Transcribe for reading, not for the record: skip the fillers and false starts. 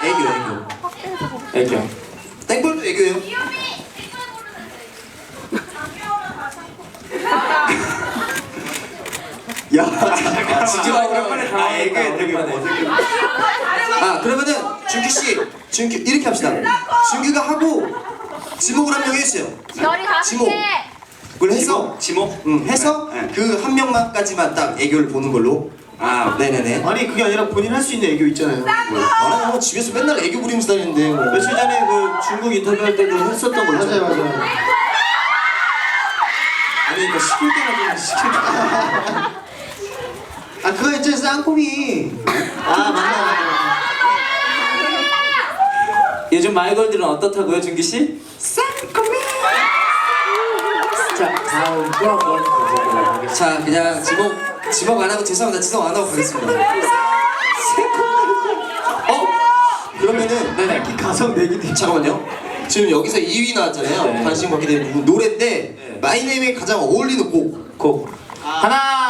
애교. 땡볼도 애교예요. 야, 진짜 오랜만에 애교에 되게 어색해. 그러면은 준규 이렇게 합시다. 준규가 하고 지목을 한 명 해주세요. 별이 다섯 지목. 개. 그걸 해서 지목? 해서 네. 그 한 명만까지만 딱 애교를 보는 걸로. 네네네. 아니 그게 아니라 본인 할 수 있는 애교 있잖아요. 나는 집에서 맨날 애교 부리면서 다니는데 뭐. 며칠 전에 그 중국 인터뷰할 때도 했었던 거 있잖아요. 맞아요. 아니 이거 시킬 때나 좀 시킬 때. 그거 있잖아요, 쌍코미. 맞나. 요즘 마이걸들은 어떻다고요, 준기 씨? 자, 다음 또 한번 가져보도록 하겠습니다. 자 그냥 지목 안 하고 지성 안 하고 가겠습니다. 그러면은 네네. 가성 내기도. 잠깐만요. 지금 여기서 2위 나왔잖아요. 네. 관심 갖게 된 노래인데 마이네임에 가장 어울리는 곡. 하나,